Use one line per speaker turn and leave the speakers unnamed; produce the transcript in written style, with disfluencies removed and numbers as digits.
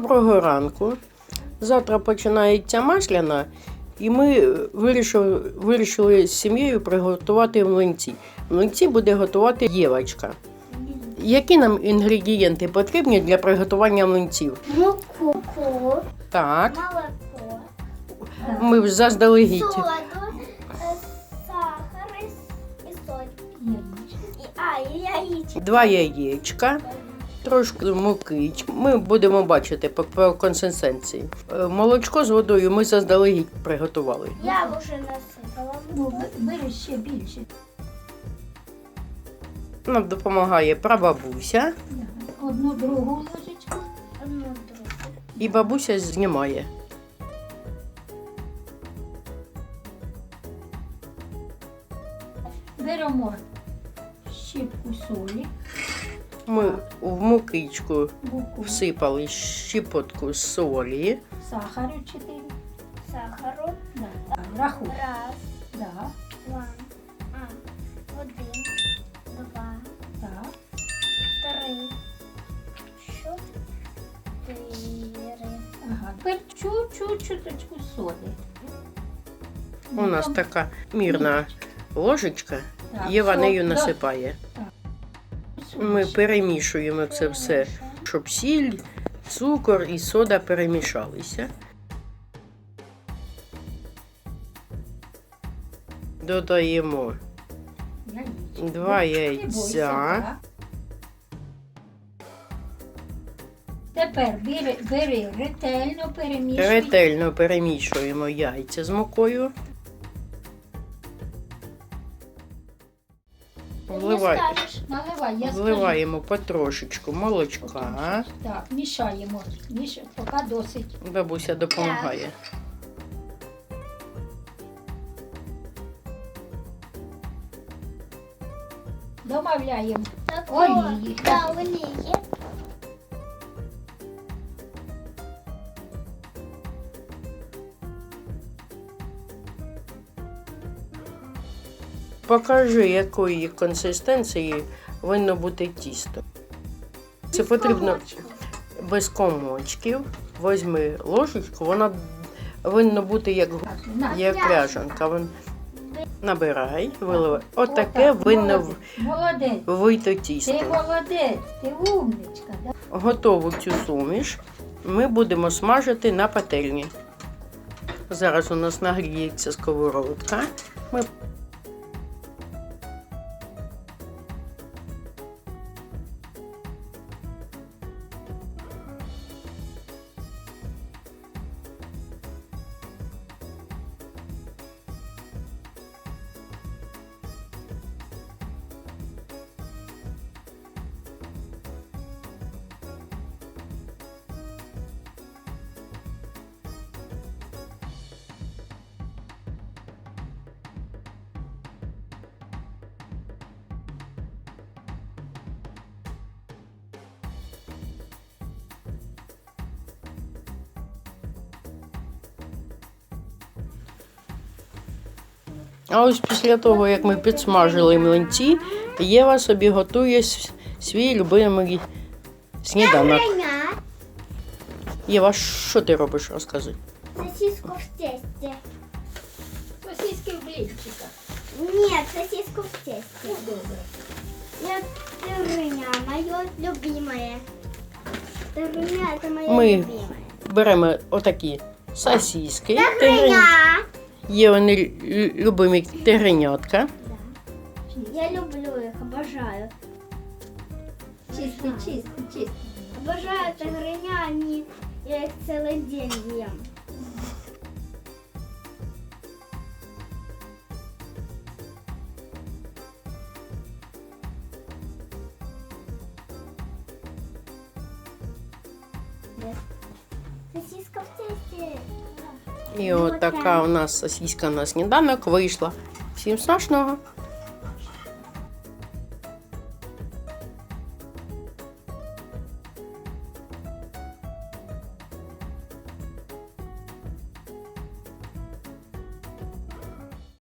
Доброго ранку. Завтра починається Масляна, і ми вирішили з сім'єю приготувати млинці. Млинці буде готувати Євочка. Які нам інгредієнти потрібні для приготування млинців?
Муку,
Так,
молоко,
ми заздалегідь.
соду, сахар і соль. І яєчко.
2 яєчка, трошки муки. Ми будемо бачити по консистенції. Молочко з водою ми заздалегідь приготували.
Я вже насипала.
Ну, бери ще більше.
Нам допомагає прабабуся,
Одну другу ложечку.
Одну другу.
і бабуся знімає.
Беремо щіпку солі,
Ми в мукичку
муку,
всипали щепотку солі.
сахару 4.
Сахару.
Да. Рахуй.
Раз,
Да.
два, один, два,
Так.
три, чотири.
Ага. Тепер чуточку соди.
У нас така мірна ложечка,
Так,
Єва
сол,
нею
да.
насипає.
Соль.
Ми перемішуємо це все, щоб сіль, цукор і сода перемішалися. Додаємо
Яєчко.
2
Не бойся,
яйця.
так. Тепер бери ретельно перемішуй.
Ретельно перемішуємо яйця з мукою.
Наливай,
Вливаємо потрошечку молочка.
Так, мішаємо. Поки досить.
Бабуся допомагає.
Домовляємо.
Такого.
Олії.
Да, олії.
Покажи, якої консистенції повинно бути тісто. Це потрібно без комочків. Візьми ложечку, вона повинна бути як ряжанка. Набирай, виливай. Отаке повинно
Молодець.
вийти
Ти
тісто.
молодець, ти умничка. Да?
Готову цю суміш ми будемо смажити на пательні. Зараз у нас нагріється сковородка. Ми А ось після того, як ми підсмажили млинці, Єва собі готує свій любимий сніданок. Єва, що ти робиш, розкажи.
Сосиску в тесте.
Сосиски в блінчиках.
Нет, сосиску в тесте. Тырыня, мое любимое. Тырыня — это мое
Мы
любимое.
Беремо отакі сосиски.
Тырыня!
Євини любимі тигренятка.
Я люблю их, обожаю.
Чисти.
Обожаю тигрыня, они, я их целый день ем. Сосиска в тесте.
І от така у нас сосиска на сніданок вийшла. Всім смачного!